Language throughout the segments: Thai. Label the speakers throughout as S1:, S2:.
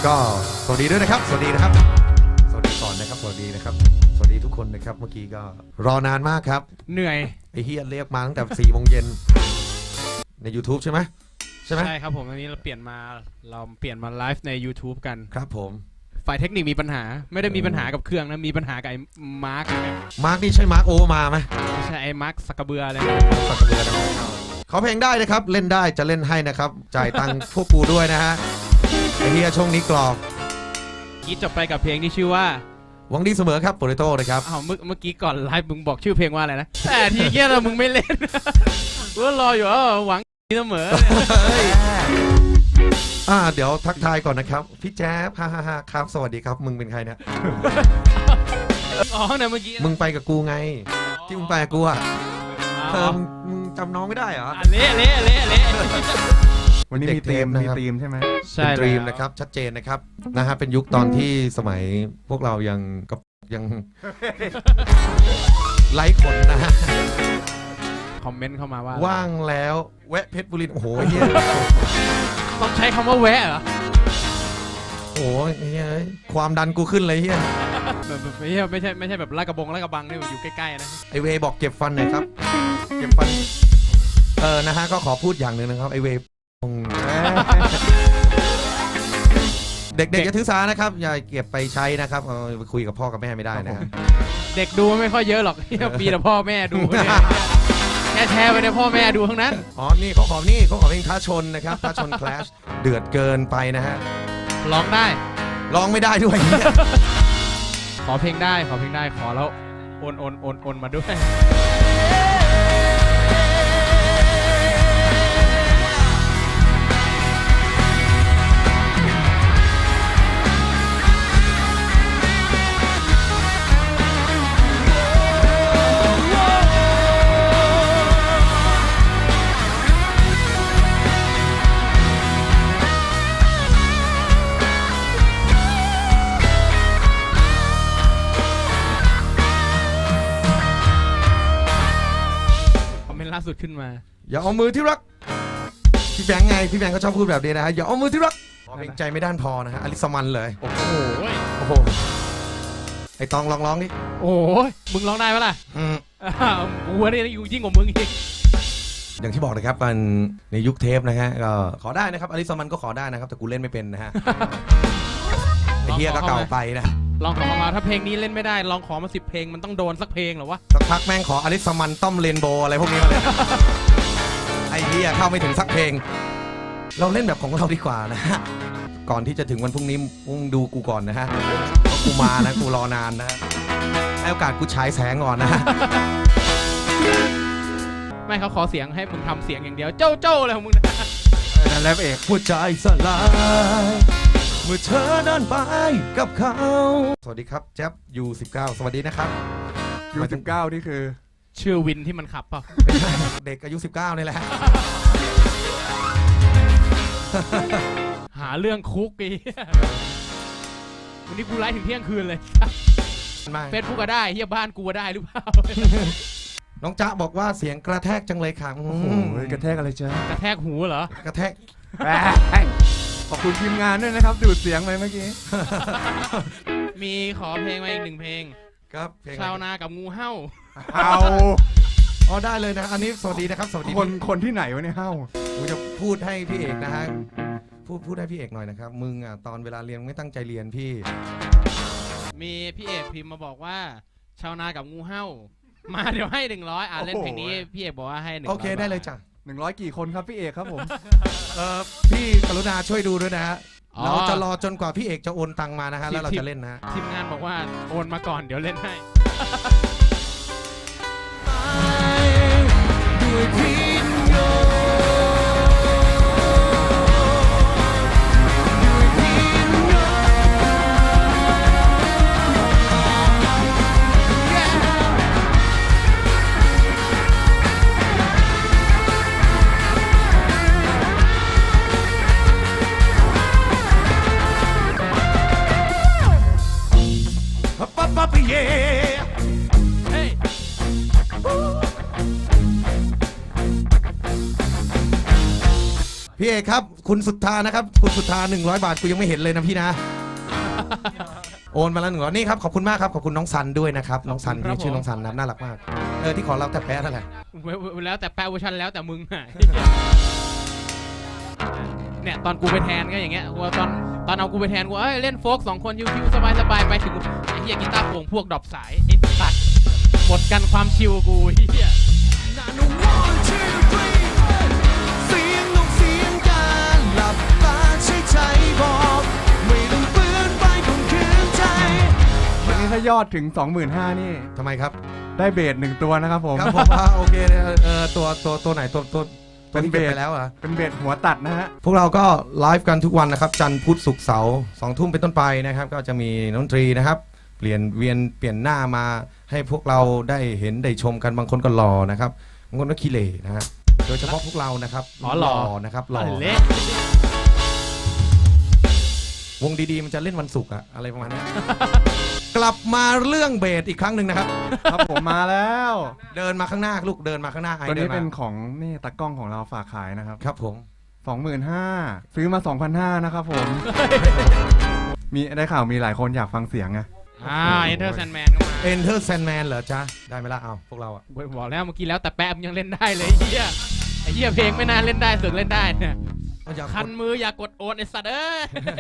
S1: ก็สวัสดีด้วยนะครับสวัสดีนะครับสวัสดีก่อนนะครับสวัสดีนะครับสวัสดีทุกคนนะครับเมื่อกี้ก็รอนานมากครับ
S2: เหนื่อย
S1: ไอ้เฮียเรียกมาตั้งแต่4 โมงเย็นใน YouTube ใช่ไหมใช่
S2: ครับผมอันนี้เราเปลี่ยนมาไลฟ์ใน YouTube กัน
S1: ครับผม
S2: ฝ่ายเทคนิคมีปัญหาไม่ได้มีปัญหากับเครื่องนะมีปัญหากับไอ้มาร์ค
S1: นี่ใช่มาร์คโอเวอร์มาไหม
S2: ไม่ใช่ไอ้มาร์คสักกระเบืออะไร
S1: สักกระเบือนะครับขอเพลงได้นะครับเล่นได้จะเล่นให้นะครับจ่ายตังค์พวกกูด้วยนะฮะไอ้เฮียช่วงนี้กรอบ
S2: กี้จบไปกับเพลงที่ชื่อว่า
S1: หวังดีเสมอครับโปรโตนะครับ
S2: อ้าวเมื่อกี้ก่อนไลฟ์มึงบอกชื่อเพลงว่าอะไรนะแต่ทีเงี้ยเรามึงไม่เล่นกูรออยู่หวังดีเสมอ
S1: เดี๋ยวทักทายก่อนนะครับพี่แจ๊บฮ่าครับสวัสดีครับมึงเป็นใครเนี่ย
S2: เนี่ยเมื่อกี้
S1: มึงไปกับกูไงที่มึงไปกับกูอ่ะมึงจำน้องไม่ได้เหรอ
S2: เละ
S3: วันนี้มีธีมใช่ไหม
S1: ใช่เป็นธีมนะครับชัดเจนนะครับนะฮะเป็นยุคตอนที่สมัยพวกเรายังไร้ขนนะฮะ
S2: คอมเมนต์เข้ามาว่า
S1: ว่างแล้วแวะเพชรบุรีโอ้โหเฮีย
S2: ต้องใช้คำว่าแวะเหรอ
S1: โอ้ยเฮียความดันกูขึ้นเลยเฮีย
S2: ไม่ใช่แบบลาดกระบังนี่อยู่ใกล้ๆนะ
S1: ไอเวบอกเก็บฟันหน่อยครับเก็บฟันนะฮะก็ขอพูดอย่างหนึ่งนะครับไอเวเด็กๆอย่าถือสานะครับอย่าเก็บไปใช้นะครับไปคุยกับพ่อกับแม่ไม่ได้นะครับ
S2: เด็กดูไม่ค่อยเยอะหรอกมีแต่พ่อแม่ดูแค่แชร์ไปในพ่อแม่ดูทั้งนั้น
S1: นี่เขาขอเพลงท้าชนนะครับท้าชน Clash เดือดเกินไปนะฮะ
S2: ร้องได้
S1: ร้องไม่ได้ด้วย
S2: ขอเพลงได้ขอแล้วโอนมาด้วยล่าสุดขึ้นมา
S1: อย่าเอามือที่รักพี่แบงค์ไงพี่แบงค์ก็ชอบพูดแบบนี้นะฮะอย่าเอามือที่รักเพลงใจไม่ด้านพอนะฮะอลิสมันเลย
S2: โอ้โห
S1: ไอตองร้องนี่
S2: โอ้ยมึงร้องได้ปะล่ะกูนี่อยู่ยิ่งกว่ามึงอีก
S1: อย่างที่บอกนะครับกันในยุคเทปนะฮะก็ขอได้นะครับอลิสมันก็ขอได้นะครับแต่กูเล่นไม่เป็นนะฮะไอเฮียก็เก่าไปนะ
S2: ลองขอมาถ้าเพลงนี้เล่นไม่ได้ลองขอมา10 เพลงมันต้องโดนสักเพลงหรอวะ
S1: สักพักแม่งขออลิสมันต้อมเรนโบว์อะไรพวกนี้มาเลยไอ้เหี้ยเข้าไม่ถึงสักเพลงเราเล่นแบบของเราดีกว่านะฮะก่อนที่จะถึงวันพรุ่งนี้มึงดูกูก่อนนะฮะกูมานะกูรอนานนะให้โอกาสกูฉายแสงก่อนนะ
S2: ไม่เขาขอเสียงให้มึงทำเสียงอย่างเดียวเจ้าอะไรของมึงนะ
S1: นั่นแหละเอกหัวใจสลายเมื่อเธอเดินไปกับเขาสวัสดีครับแจ๊บU19สวัสดีนะครับ
S3: U19นี่คือ
S2: ชื่อวินที่มันขับเปล่า
S1: เด็กอายุ19นี่แหละ
S2: หาเรื่องคุกอีวันนี้กูไลฟ์ถึงเที่ยงคืนเลยเฟซบุ๊กก็ได้เฮียบ้านกูก็ได้หรือเปล่า
S1: น้องจ๊ะบอกว่าเสียงกระแทกจังเลยค่ะ
S3: โอ้โหกระแทกอะไรจ๊ะ
S2: กระแทกหูเหร
S1: อกระแทก
S3: ขอบคุณทีมงานด้วยนะครับดูดเสียงไปเมื่อกี้
S2: มีขอเพลงมาอีก1 เพลง
S1: ครับเพลง
S2: ชาวนากับงูเห่า
S1: ได้เลยนะอันนี้สวัสดีนะครับสวัสดี
S3: คนที่ไหนวะเนี่ยเห่า
S1: ผมจะพูดให้พี่เอกนะฮะพูดให้พี่เอกหน่อยนะครับมึงตอนเวลาเรียนไม่ตั้งใจเรียนพี่
S2: มีพี่เอกพิมพ์มาบอกว่าชาวนากับงูเห่ามาเดี๋ยวให้100เล่นเพลงนี้พี่เอกบอกว่าให้100
S1: โอเคได้เลยจ้ะ
S3: 100กี่คนครับพี่เอกครับผม
S1: พี่กรุณาช่วยดูด้วยนะฮะเราจะรอจนกว่าพี่เอกจะโอนตังมานะฮะแล้วเราจะเล่นนะ
S2: ทีมงานบอกว่าโอนมาก่อนเดี๋ยวเล่นให้
S1: พี่เอกครับ คุณสุทธานะครับ คุณสุทธา100 บาทกูยังไม่เห็นเลยนะพี่นะ โอนมาแล้ว100นี่ครับขอบคุณมากครับขอบคุณน้องซันด้วยนะครับน้องซันที่ชื่อน้องซันนะน่ารักมากที่ขอเราแต่แพ้เท่าไหร่
S2: แล้วแต่แปะเวอร์ชันแล้วแต่มึงอะเนี่ยตอนกูไปแทนก็อย่างเงี้ยว่าตอนเอากูไปแทนกูเล่นโฟก2 คนชิวๆสบายๆไปถึงไอ้เหี้ยกีตาร์โปร่งพวกดรอปสายไอ้สัตว์หมดกันความชิวกูเหี้ย
S1: เสียงนกเสียงกาหลับตาใช้ใจบอกไม่ต้องฝืนไปคงคืนใจ
S3: วันนี้ถ้ายอดถึง 25,000นี่
S1: ทำไมครับ
S3: ได้เบส1 ตัวนะครับผม
S1: ครับผมโอเคตัวไหนตัวที่เก็บไปแล้วเหรอ
S3: เป็นเบสหัวตัดนะฮะ
S1: พวกเราก็ไลฟ์กันทุกวันนะครับจันทร์พุธศุกร์เสาร์2 ทุ่มเป็นต้นไปนะครับก็จะมีดนตรีนะครับเปลี่ยนหน้ามาให้พวกเราได้เห็นได้ชมกันบางคนก็หล่อนะครับบางคนก็ขี้เหร่นะฮะโดยเฉพาะพวกเรานะครับ
S2: หล่อ
S1: นะครับหล่อ
S2: เละ
S1: วงดีๆมันจะเล่นวันศุกร์อะอะไรประมาณนี้ กลับมาเรื่องเบสอีกครั้งหนึ่งนะครับ
S3: ครับผมมาแล้ว
S1: เดินมาข้างหน้าลูกเดินมาข้างหน้าไอ้
S3: ตัว
S1: เดิ
S3: นี้
S1: นมา
S3: เป็นของนี่ตากล้องของเราฝากขายนะครับ
S1: ครับผม
S3: 25,000ซื้อมา 2,500นะครับผม มีได้ข่าวมีหลายคนอยากฟังเสียงไง
S2: เอนเตอร์แซนแมนก็มา
S1: Enter Sandman เหรอจ๊ะได้ไหมล่ะเอาพวกเราอะ
S2: บอกแล้วเมื่อกี้แล้วแต่แป๊บยังเล่นได้เลยไอ้เหี้ยเพลงไม่นานเล่นได้เสือกเล่นได้เนี่ย
S1: อยาก
S2: คันมืออย่ากดโอนไอ้สัตว์เอ้ย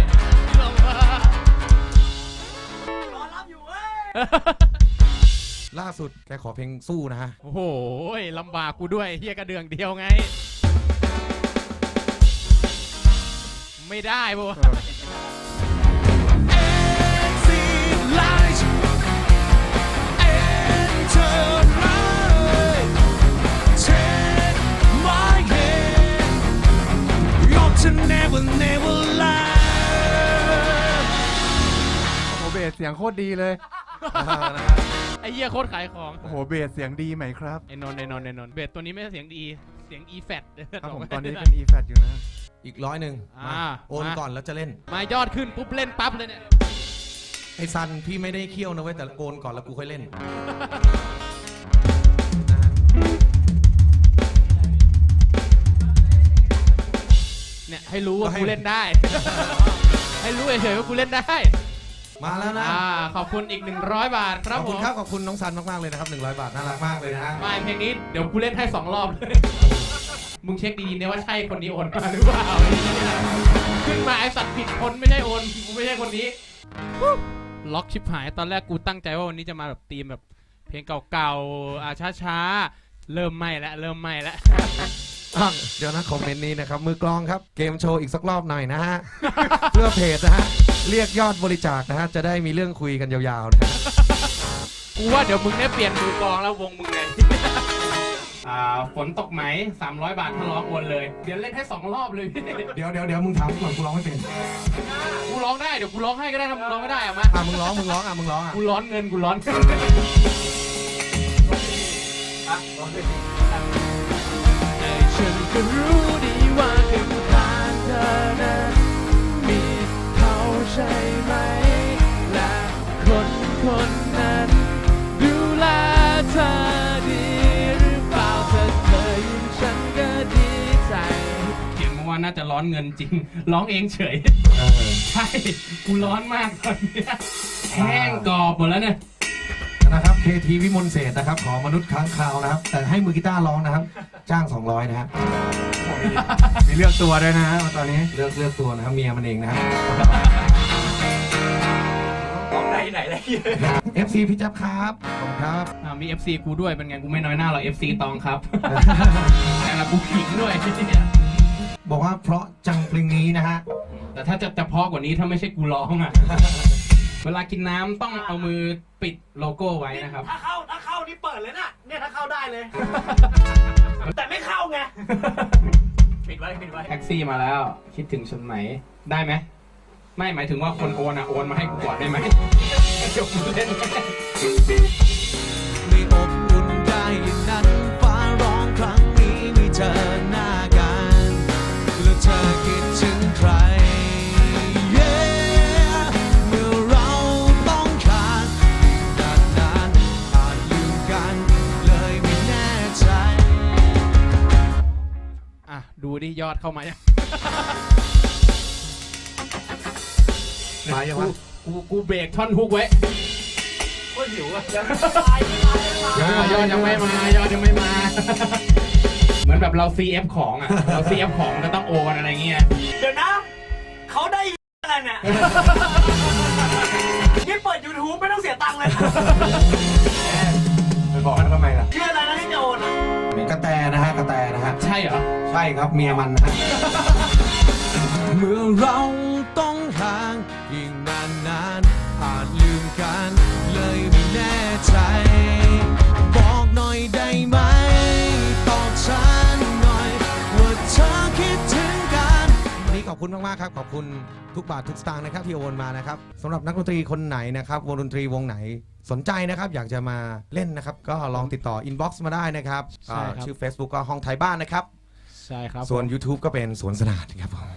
S1: ล่าสุดแกขอเพลงสู้นะฮะ
S2: โอ้โหลำบากกูด้วยเฮียกระเดืองเดียวไง ไม่ได้ปะวะ
S3: โอ้โหเบสเสียงโคตรดีเลย
S2: ไอ้เหี้ยโคตรขายของ
S3: โอ้โหเบสเสียงดีไหมครับ
S2: ไอ้นนท์เบสตัวนี้ไม่ใช่เสียงดีเสียง e-fat
S3: ครับผมตอนนี้เป็น e-fat อยู่นะ
S1: อีก100มาโอนก่อนแล้วจะเล่น
S2: มายอดขึ้นปุ๊บเล่นปั๊บเลยเนี่ย
S1: ไอ้ซันพี่ไม่ได้เคี่ยวนะเว้ยแต่โอนก่อนแล้วกูค่อยเล่น
S2: เนี่ยให้รู้ว่ากูเล่นได้ ให้รู้เฉยๆว่ากูเล่นได้
S1: มาแล้วนะ
S2: ขอบคุณอีก100 บาทค
S1: ข
S2: รับ
S1: อบ
S2: ผ
S1: คุณ
S2: ม
S1: ครับขอบคุณน้องซันมากๆเลยนะครับ100 บาทน่ารักมากเลยนะฮะ
S2: ไม่เพลงนี้เดี๋ยวกูเล่นให้2 รอบเลย มึงเช็คดีๆนะว่าใช่คนนี้โอนมาหรือเปล่าขึ้นมาไอสัตว์ผิดคนไม่ใช่โอนกูไม่ใช่คนนี้ล็อกชิบหายตอนแรกกูตั้งใจว่าวันนี้จะมาแบบธีมแบบเพลงเก่าๆช้าๆเริ่มไหม้แล้ว
S1: เดี๋ยวนะคอมเมนต์นี้นะครับมือกลองครับเกมโชว์อีกสักรอบหน่อยนะฮะ เพื่อเพจนะฮะเรียกยอดบริจาคนะฮะจะได้มีเรื่องคุยกันยาวๆนะ
S2: กูว่าเดี๋ยวมึงได้เปลี่ยนมือกลองแล้ววงมึงไง ฝนตกไหม300 บาทถ้าร้องโอนเลยเดี๋ยวเล่นให้2 รอบเลยพี่
S1: เดี๋ยวมึงถามก่อนกูร้องไม่เป็น
S2: กูร้องได้เดี๋ยวกูร้องให้ก็ได้ถ้ามึงร้องไม่ได้อะมา
S1: มึงร้องมึงร้องอ่ะ
S2: กูร้อนเงินกูร้อนฉันก็รู้ดีว่าถึงทางเธอนั้นมีเขาใช่ไหมและคนนั้นดูแลเธอดีหรือเปล่าถ้าเธอยิ้มฉันก็ดีใจเขียนมาว่าน่าจะร้อนเงินจริงร้องเองเฉยใช่กูร้อนมากตอนเนี้ยแห้งกรอบหมดแล้วเนี่ย
S1: นะครับ KT วิมลเศรษฐ์นะครับขอมนุษย์ค้างคาวนะครับแต่ให้มือกีตาร์ร้องนะครับจ้าง200นะฮะ
S3: มีเลือกตัวด้วยนะฮะตอนนี้
S1: เลือกตัวนะครับเมียมันเองนะครับ
S2: ไหนเลย
S1: FC พี่จับครับขอบคุณครับ
S2: มี FC กูด้วยเป็นไงกูไม่น้อยหน้าหรอก FC ตองครับ แต่ละกูขิงด้วย
S1: บอกว่าเพราะจังเพลงนี้นะฮะ
S2: แต่ถ้าจะเพราะกว่านี้ถ้าไม่ใช่กูร้องอ่ะ เวลากินน้ำต้องเอามือปิดโลโก้ไว้นะครับ
S4: ถ้าเข้านี่เปิดเลยนะเนี่ยถ้าเข้าได้เลย แต่ไม่เข้าไง ปิดไว้
S2: แท็กซี่มาแล้วคิดถึงฉันไหมได้ไหมไม่หมายถึงว่าคนโอนโอนมาให้กูก่อนได้ไหมจบเล่น
S1: ไม่อบอุ่นได้อย่างนั้นฟ้าร้องครั้งนี้ไม่เจอหน้ากันแล้วเธอคิดถึงใคร เมื่อเราต้องขาดนานๆอาจลืมกันเลยไม่แน่ใจ
S2: ดูดิยอดเข้ามายัง
S1: มายังวะ
S2: กูเบรกท่อนฮุกไว้
S4: โคตรหิวอ่ะยังไม่ตายไม่ตายไม่ตาย
S2: ยอดยังไม่มายอดยังไม่มา เหมือนแบบเรา CF ของอ่ะ เรา CF ของก็ต้องโอนอะไรเงี้ย
S4: เดี๋ยวนะ เขาได้อะไรเนี่ยนี่เปิด YouTube ไม่ต้องเสียตังค์เลยนะ
S3: ไปบอกมันทำไมล่ะ
S4: ชื่ออะไรนะที่จะโอนอะ
S1: กระแตนะฮะกระแตนะฮะ
S2: ใช่เหรอ
S1: ใช่ครับเมียมันนะฮะเมื่อเราต้องห่างอีกนานๆอาจลืมกันเลยไม่แน่ใจ บอกหน่อยได้ไหมตอบฉันหน่อยว่าเธอคิดถึงกันวันนี้ขอบคุณมากๆครับขอบคุณทุกบาททุกสตางค์นะครับที่โอนมานะครับสำหรับนักดนตรีคนไหนนะครับวงดนตรีวงไหนสนใจนะครับอยากจะมาเล่นนะครับก็ลองติดต่ออินบ็อกซ์มาได้นะครับ
S2: ใช่ครับ
S1: ชื่อ Facebook ก็ห้องไทยบ้านนะครับ
S2: ใช่ครับ
S1: ส่วน YouTube ก็เป็นสวนสนานครับผม